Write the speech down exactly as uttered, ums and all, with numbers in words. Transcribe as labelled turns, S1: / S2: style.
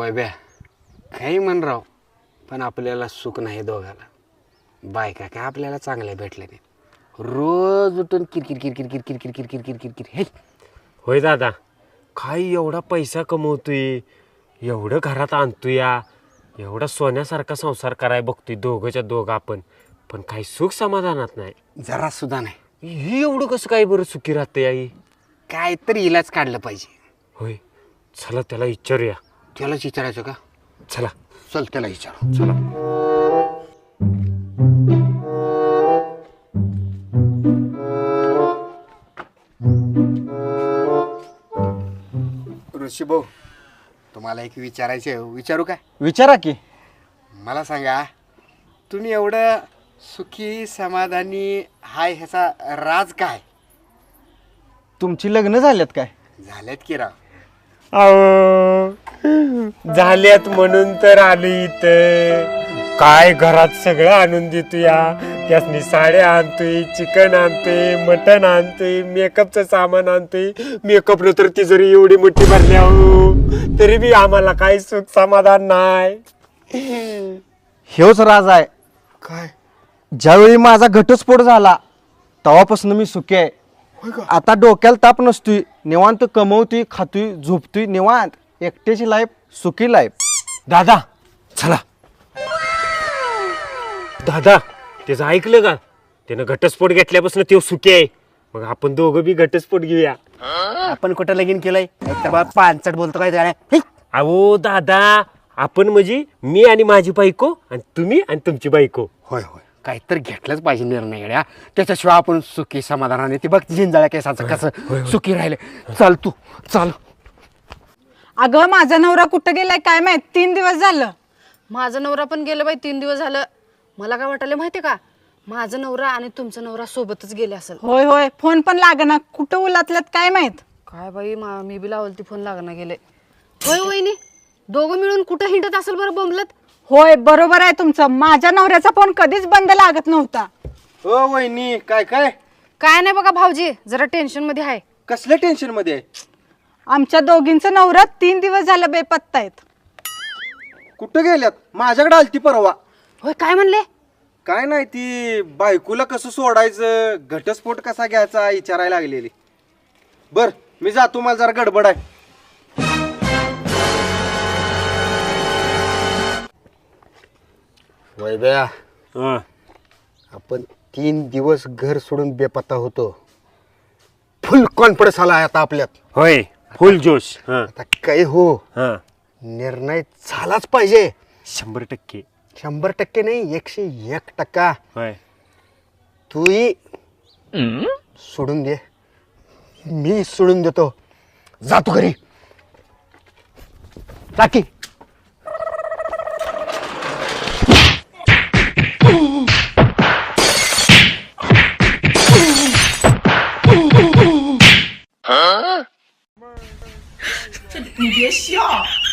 S1: वैब्या काही म्हण राव, पण आपल्याला सुख नाही दोघाला. बायका काय आपल्याला चांगल्या भेटल्या नाही. रोज उठून किरकिर किरकिर किरकिर किरकिर किरकिर किरकिर हे.
S2: होय दादा, काय एवढा पैसा कमवतोय, एवढं घरात आणतोय, एवढा सोन्यासारखा संसार कराय बघतोय दोघंच्या दोघं आपण, पण काही सुख समाधानात नाही.
S1: जरा सुद्धा नाही.
S2: ही एवढं कसं काय बरं सुखी राहते आई?
S1: काय तरी इलाज काढलं पाहिजे.
S2: होय, चला त्याला विचारूया.
S1: त्यालाच विचारायचं का?
S2: चला
S1: चल त्याला विचारू.
S2: चला.
S1: ऋषी भाऊ, तुम्हाला एक विचारायचे, विचारू काय?
S3: विचारा की.
S1: मला सांगा, तुम्ही एवढं सुखी समाधानी हाय ह्याचा राज काय?
S3: तुमची लग्न झाल्यात काय?
S1: झालेत की राव.
S2: अहो, झाल्यात म्हणून तर आली इथं. काय घरात सगळं आणून देतोय, त्यासनी साड्या आणतोय, चिकन आणतोय, मटण आणतोय, मेकअपचं सामान आणतोय. मेकअपनं तर ती जरी एवढी मोठी भरली हो, तरी बी आम्हाला काही सुख समाधान नाही.
S3: हेच राज आहे.
S1: काय?
S3: ज्यावेळी माझा घटस्फोट झाला तेव्हापासून मी सुखी आहे. आता डोक्याला ताप नसतोय, निवांत कमवतोय, खातोय, झोपतोय निवांत. एकट्याची लाईफ सुखी लाईफ.
S2: दादा चला. दादा त्याचं ऐकलं का? त्यानं घटस्फोट घेतल्यापासून तो सुखी आहे. मग आपण दोघं बी घटस्फोट घेऊया.
S1: आपण कुठं लगीन केलंय? तर बा पानचट बोलतो काय त्याला?
S2: अहो दादा, आपण म्हणजे मी आणि माझी बायको, आणि तुम्ही आणि तुमची बायको.
S1: होय होय, काहीतरी घेतलंच पाहिजे निर्णय गड्या. त्याच्याशिवाय आपण सुखी समाधानाने ते बघ झिंजाळ्या केसाचं कसं सुखी राहिले. चल तू चल.
S4: अगं माझा नवरा कुठं गेलाय काय माहित, तीन दिवस झालं.
S5: माझा नवरा पण गेलं बाई तीन दिवस झालं. मला काय वाटलं माहितीये का, माझा नवरा आणि तुमचा नवरा सोबतच गेले असेल.
S4: होय होय, फोन पण लागना, कुठं उलातल्यात काय माहित.
S5: काय बाई, मा- मी बी लावल ती फोन लागना गेले. होय वहिनी, दोघं मिळून कुठं हिंडत असेल बरं बोंबलत.
S4: होय बरोबर आहे तुमचं. माझ्या नवऱ्याचा फोन कधीच बंद लागत नव्हता.
S3: हो वहिनी, काय काय
S5: काय नाही बघा भाऊजी, जरा टेन्शन मध्ये आहे.
S3: कसल्या टेन्शन मध्ये आहे?
S4: आमच्या दोघींचं नवरा तीन दिवस झालं बेपत्ता आहेत.
S3: कुठं गेल्यात? माझ्याकडे आलती परवा.
S5: होय, काय म्हणले?
S3: काय नाही, ती बायकोला कसं सोडायचं, घटस्फोट कसा घ्यायचा विचारायला लागलेली. बर मी जातो, मला जरा गडबड आहे.
S1: वैब्या,
S2: हं.
S1: आपण तीन दिवस घर सोडून बेपत्ता होतो. फुल कॉन्फिडन्स आला आता आपल्यात.
S2: होय, फुल जोश. हं.
S1: आता काय हो,
S2: हं.
S1: निर्णय झालाच पाहिजे.
S2: शंभर टक्के.
S1: शंभर टक्के नाही, एकशे एक टक्का.
S2: होय.
S1: तूही सोडून दे, मी सोडून देतो. जातो घरी. टाकी.
S6: 你别笑。